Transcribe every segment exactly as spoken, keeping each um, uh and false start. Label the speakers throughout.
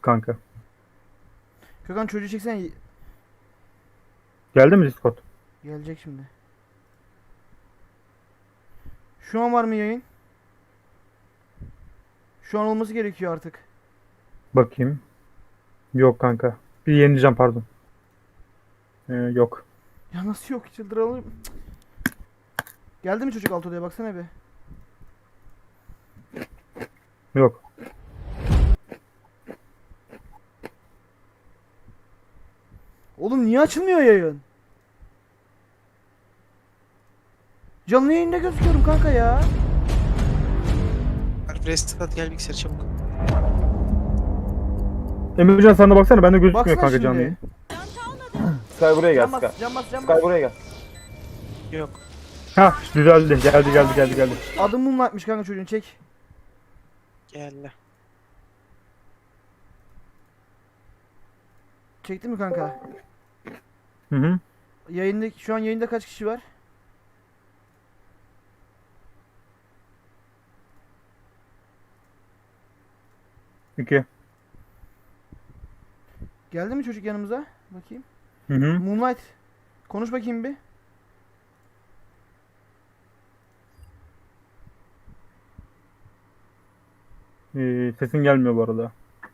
Speaker 1: kanka.
Speaker 2: Gökhan çocuğu çeksene.
Speaker 1: Geldi mi Discord?
Speaker 2: Gelecek şimdi. Şu an var mı yayın? Şu an olması gerekiyor artık.
Speaker 1: Bakayım. Yok kanka. Bir yenileceğim pardon. Ee, yok.
Speaker 2: Ya nasıl yok, çıldıralım. Geldi mi çocuk alt odaya, baksana bir.
Speaker 1: Yok.
Speaker 2: Oğlum niye açılmıyor yayın? Canlı yayında gözüküyorum kanka ya.
Speaker 3: Alp restart gel bilgisayar çabuk.
Speaker 1: Emircan sen de baksana, bende gözükmüyor
Speaker 2: Baksana
Speaker 1: kanka
Speaker 2: şimdi.
Speaker 1: canlı yayın.
Speaker 4: Sky buraya gel
Speaker 2: Can
Speaker 4: Sky.
Speaker 2: bas, can bas, can
Speaker 4: Sky
Speaker 2: bas.
Speaker 4: buraya gel.
Speaker 3: Yok.
Speaker 1: Ha düzeldi. Geldi geldi geldi geldi.
Speaker 2: Adım Moonlight'mış kanka, çocuğun çek.
Speaker 3: Gel.
Speaker 2: Çekti mi kanka?
Speaker 1: Hı hı.
Speaker 2: Yayında, şu an yayında kaç kişi var?
Speaker 1: İki.
Speaker 2: Geldi mi çocuk yanımıza? Bakayım.
Speaker 1: Hı hı.
Speaker 2: Moonlight. Konuş bakayım bir.
Speaker 1: Ee, sesin gelmiyor bu arada.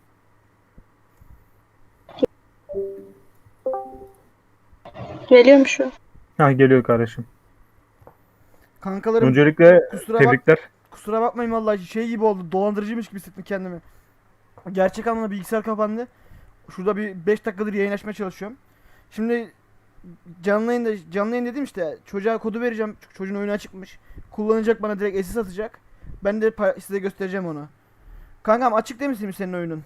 Speaker 5: Geliyor mu şu?
Speaker 1: Ha geliyor kardeşim.
Speaker 2: Kankalarım
Speaker 1: Öncelikle
Speaker 2: kusura bak
Speaker 1: tebrikler.
Speaker 2: kusura bakmayın vallahi, şey gibi oldu. Dolandırıcıymış gibi hissettim kendimi. Gerçek anlamda bilgisayar kapandı. Şurada bir beş dakikadır yayın açmaya çalışıyorum. Şimdi canlı yayında, canlı yayın dedim işte, çocuğa kodu vereceğim. Çünkü çocuğun oyunu açıkmış. Kullanacak, bana direkt S S atacak. Ben de pa- size göstereceğim onu. Kankam açık değil misin senin oyunun?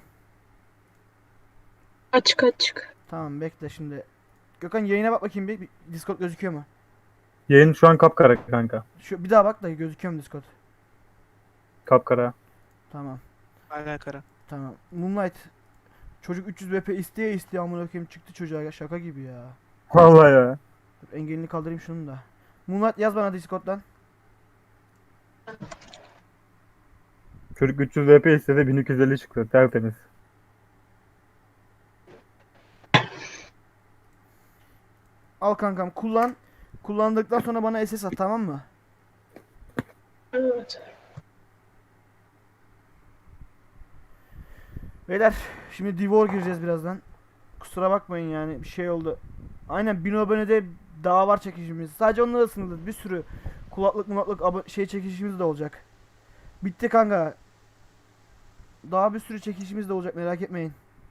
Speaker 5: Açık açık.
Speaker 2: Tamam bekle şimdi. Gökhan yayına bak bakayım bir. Bir Discord gözüküyor mu?
Speaker 1: Yayın şu an kapkara kanka.
Speaker 2: Şu bir daha bak da gözüküyor mu Discord?
Speaker 1: Kapkara.
Speaker 2: Tamam.
Speaker 3: Hala kara.
Speaker 2: Tamam. Moonlight. Çocuk üç yüz B P isteye isteye amına koyayım çıktı çocuğa ya, şaka gibi ya.
Speaker 1: Vallahi ya.
Speaker 2: Dur, engelini kaldırayım şunun da. Moonlight yaz bana Discord'dan.
Speaker 1: Çocuk üç yüz V P istedi, bin iki yüz elli çıktı. Tertemiz.
Speaker 2: Al kankam, kullan. Kullandıktan sonra bana S S at, tamam mı?
Speaker 5: Evet.
Speaker 2: Beyler şimdi Divor gireceğiz birazdan. Kusura bakmayın yani, bir şey oldu. Aynen, bin abonede daha var çekişimiz. Sadece onunla da sınırlı. Bir sürü kulaklık mulaklık abo- şey çekişimiz de olacak. Bitti kanka. Daha bir sürü çekişimiz de olacak, merak etmeyin.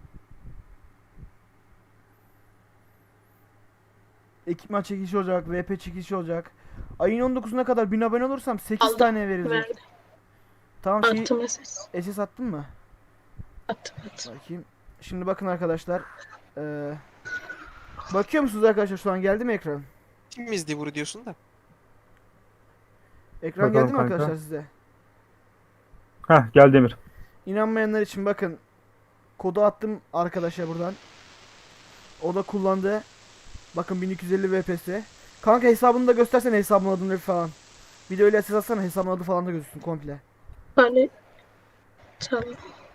Speaker 2: Ekipman çekişi olacak, V P çekişi olacak. Ayın on dokuzuna kadar bin abone olursam sekiz
Speaker 5: Aldım,
Speaker 2: tane verilecek.
Speaker 5: Verdi.
Speaker 2: Tamam, şeyi
Speaker 5: Attım ses.
Speaker 2: S S attın mı?
Speaker 5: Attım attım.
Speaker 2: Bakayım. Şimdi bakın arkadaşlar. Ee, bakıyor musunuz arkadaşlar, şu an geldi mi ekran?
Speaker 3: Kim izdi vuru diyorsun da.
Speaker 2: Ekran
Speaker 1: Bakalım
Speaker 2: geldi mi
Speaker 1: kanka.
Speaker 2: arkadaşlar size?
Speaker 1: Hah geldi Emir.
Speaker 2: İnanmayanlar için bakın. Kodu attım arkadaşa buradan. O da kullandı. Bakın bin iki yüz elli V P S. Kanka hesabını da göstersene, hesabın adını falan. Bir de öyle ses atsana, hesabın adı falan da gözüksün komple.
Speaker 5: Hani tamam.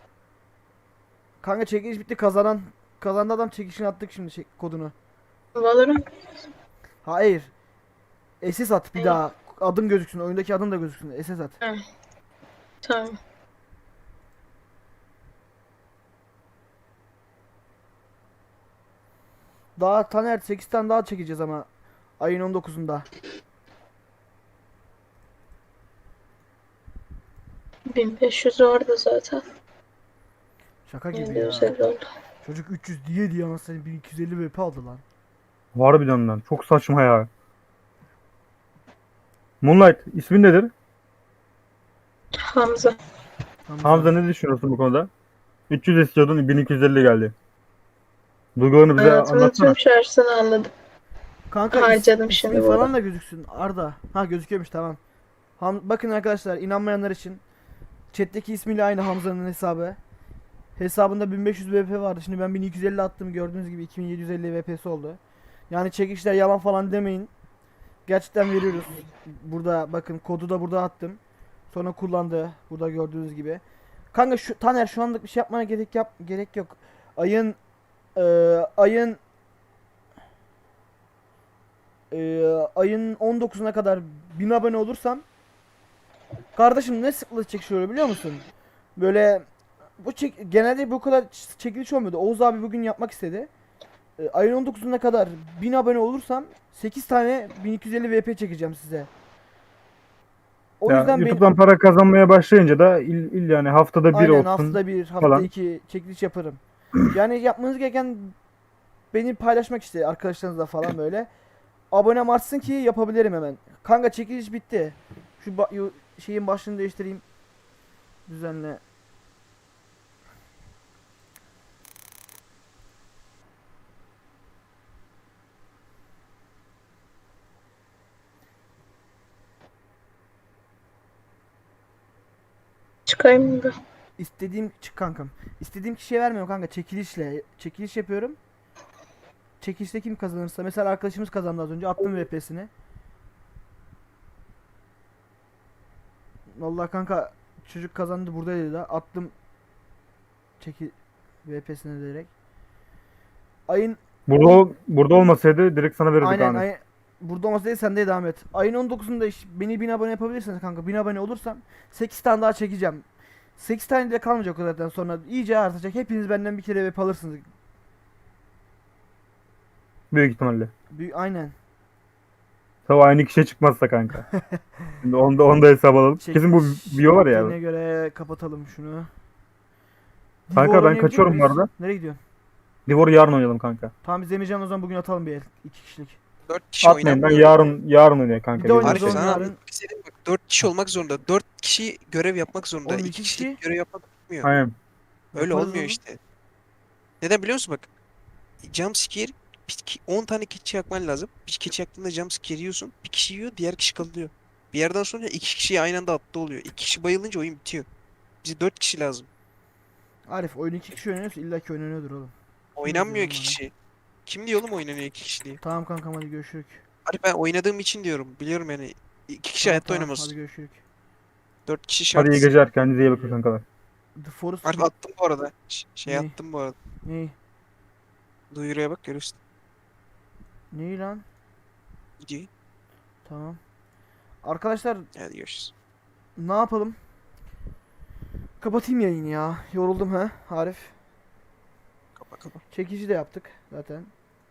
Speaker 2: Kanka çekiliş bitti, kazanan kazandı adam, çekişini attık şimdi şey, kodunu.
Speaker 5: Valorant.
Speaker 2: Hayır. S S at bir
Speaker 5: Ne?
Speaker 2: daha. Adın gözüksün, oyundaki adın da gözüksün. S S at.
Speaker 5: Ha. Tamam.
Speaker 2: Daha Taner sekiz tane daha çekeceğiz ama ayın on dokuzunda.
Speaker 5: bin beş yüz orada zaten.
Speaker 2: Şaka gibi ya.
Speaker 5: yedi yüz elli oldu.
Speaker 2: Çocuk üç yüz diye diye anasını bin iki yüz elli V P aldı lan.
Speaker 1: Harbiden lan. Çok saçma ya. Moonlight ismin nedir?
Speaker 5: Hamza.
Speaker 2: Hamza.
Speaker 1: Hamza ne düşünüyorsun bu konuda? üç yüz istiyordun, bin iki yüz elli geldi. Duygularını bize
Speaker 5: Hayatımın
Speaker 1: anlatsana.
Speaker 5: tüm şarjını anladım.
Speaker 2: Kanka
Speaker 5: Harcadım
Speaker 2: is-
Speaker 5: şimdi
Speaker 2: ismi
Speaker 5: bu
Speaker 2: falan
Speaker 5: arada.
Speaker 2: da gözüksün. Arda. Ha gözüküyormuş, tamam. Ham bakın arkadaşlar, inanmayanlar için. Chat'teki ismiyle aynı Hamza'nın hesabı. Hesabında bin beş yüz V P vardı. Şimdi ben bin iki yüz elli attım. Gördüğünüz gibi iki bin yedi yüz elli V P'si oldu. Yani çekişler yalan falan demeyin. Gerçekten veriyoruz. Burada bakın, kodu da burada attım. Sonra kullandı. Burada gördüğünüz gibi. Kanka şu Taner şu anlık bir şey yapmana gerek yap gerek yok. Ayın e, ayın e, ayın on dokuzuna kadar bin abone olursam kardeşim ne sıklığı çekiyor biliyor musun? Böyle bu çek genelde bu kadar ç- çekiliş olmuyordu. Oğuz abi bugün yapmak istedi. E, ayın on dokuzuna kadar bin abone olursam sekiz tane bin iki yüz elli V P çekeceğim size. O
Speaker 1: Ya,
Speaker 2: yüzden benim
Speaker 1: YouTube'dan para kazanmaya başlayınca da il, il yani haftada bir
Speaker 2: aynen
Speaker 1: olsun.
Speaker 2: haftada bir, haftada
Speaker 1: falan.
Speaker 2: iki çekiliş yaparım. Yani yapmanız gereken beni paylaşmak işte arkadaşlarınızla falan böyle. Abonem artsın ki yapabilirim hemen. Kanka çekiliş bitti. Şu ba- yu- şeyin başlığını değiştireyim. Düzenle.
Speaker 5: Çıkayım mı ben?
Speaker 2: İstediğim çık kankam. İstediğim kişiye vermiyorum kanka çekilişle. Çekiliş yapıyorum. Çekilişte kim kazanırsa mesela arkadaşımız kazandı az önce attım V P'sini. Vallahi kanka çocuk kazandı buradaydı da attım çeki V P'sine direkt. Ayın
Speaker 1: Burada ol- burada olmasaydı direkt sana verirdik
Speaker 2: aynen
Speaker 1: Ahmet.
Speaker 2: ayın burada olmasa değil sen de devam et. Ayın on dokuzunda iş, beni bin abone yapabilirsiniz kanka. bin abone olursam sekiz tane daha çekeceğim. sekiz tane de kalmayacak o zaten sonra iyice artacak. Hepiniz benden bir kere V P alırsınız.
Speaker 1: Büyük ihtimalle.
Speaker 2: Büyü- aynen.
Speaker 1: Tabii aynı kişiye çıkmazsa kanka. Şimdi onda onda hesap alalım. Kesin bu
Speaker 2: Çekiliş
Speaker 1: bio var ya.
Speaker 2: bittiğine göre kapatalım şunu.
Speaker 1: Kanka,
Speaker 2: Divor
Speaker 1: ben
Speaker 2: oynayabilecek
Speaker 1: kaçıyorum bu
Speaker 2: miyiz?
Speaker 1: arada.
Speaker 2: Nereye gidiyorsun?
Speaker 1: Divor'u yarın oynayalım kanka.
Speaker 2: Tamam biz Emircan o zaman bugün atalım bir el. iki kişilik.
Speaker 3: Dört kişi
Speaker 1: Atmayın ben
Speaker 3: oynanmıyor.
Speaker 1: yarın yarın oynuyor kanka.
Speaker 2: Bir de
Speaker 1: biz
Speaker 2: oynarız
Speaker 3: Arif
Speaker 2: oğlum
Speaker 3: sana
Speaker 2: yarın.
Speaker 3: anlatmak istedim bak. Dört kişi olmak zorunda. Dört kişi görev yapmak zorunda.
Speaker 2: Oğlum
Speaker 3: İki
Speaker 2: iki
Speaker 3: kişilik
Speaker 2: kişi.
Speaker 3: görev yapmak olmuyor.
Speaker 1: Aynen.
Speaker 3: Öyle
Speaker 2: Yaparız
Speaker 3: olmuyor
Speaker 2: oğlum.
Speaker 3: işte. Neden biliyor musun bak? Jumpscare on tane keçi yakman lazım. Bir keçi yaktığında jumpscare yiyorsun. Bir kişi yiyor, diğer kişi kalıyor. Bir yerden sonra iki kişi aynı anda attı oluyor. İki kişi bayılınca oyun bitiyor. Bize dört kişi lazım.
Speaker 2: Arif oyun iki kişi oynuyorsa illa ki oynanıyordur oğlum.
Speaker 3: Oynanmıyor
Speaker 2: diyorum
Speaker 3: iki
Speaker 2: bana?
Speaker 3: kişi. Kim diyor oğlum oynanıyor iki kişi diye.
Speaker 2: Tamam kankam hadi görüşürük.
Speaker 3: Hadi ben oynadığım için diyorum. Biliyorum yani. İki kişi
Speaker 2: Tamam,
Speaker 3: hayatta
Speaker 2: tamam,
Speaker 3: oynamaz.
Speaker 2: hadi görüşürük.
Speaker 3: Dört kişi şart.
Speaker 1: Hadi iyi geceler. Kendinize iyi bakın kankalar.
Speaker 2: The Forest
Speaker 3: Arif attım bu arada. Ş- Şey
Speaker 2: Ne?
Speaker 3: attım bu arada.
Speaker 2: Ney?
Speaker 3: Duyuruya bak görürsün.
Speaker 2: Ney lan?
Speaker 3: Videoyu.
Speaker 2: Tamam. Arkadaşlar
Speaker 3: Hadi görüşürüz.
Speaker 2: ne yapalım? Kapatayım yayını ya. Yoruldum ha Arif.
Speaker 3: Kapa kapa.
Speaker 2: Çekici de yaptık zaten.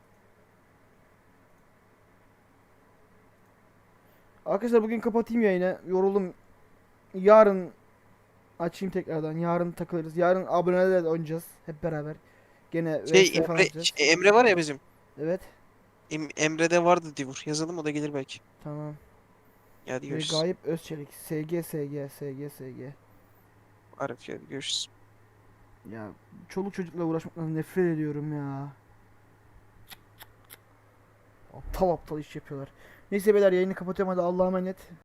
Speaker 2: Arkadaşlar bugün kapatayım yayını. Yoruldum. Yarın açayım tekrardan. Yarın takılırız. Yarın abonelerle de oynayacağız hep beraber. Gene
Speaker 3: Şey
Speaker 2: V S falan
Speaker 3: Emre,
Speaker 2: atacağız.
Speaker 3: şey, Emre var ya bizim.
Speaker 2: Evet.
Speaker 3: Em, Emre'de vardı Divur. Yazalım o da gelir belki.
Speaker 2: Tamam.
Speaker 3: Hadi
Speaker 2: Ve
Speaker 3: görüşürüz.
Speaker 2: Gayip Özçelik. S G S G S G S G.
Speaker 3: Arif hadi görüşürüz.
Speaker 2: Ya çoluk çocukla uğraşmaktan nefret ediyorum ya. Aptal aptal iş yapıyorlar. Neyse beyler yayını kapatıyorum hadi Allah'a emanet.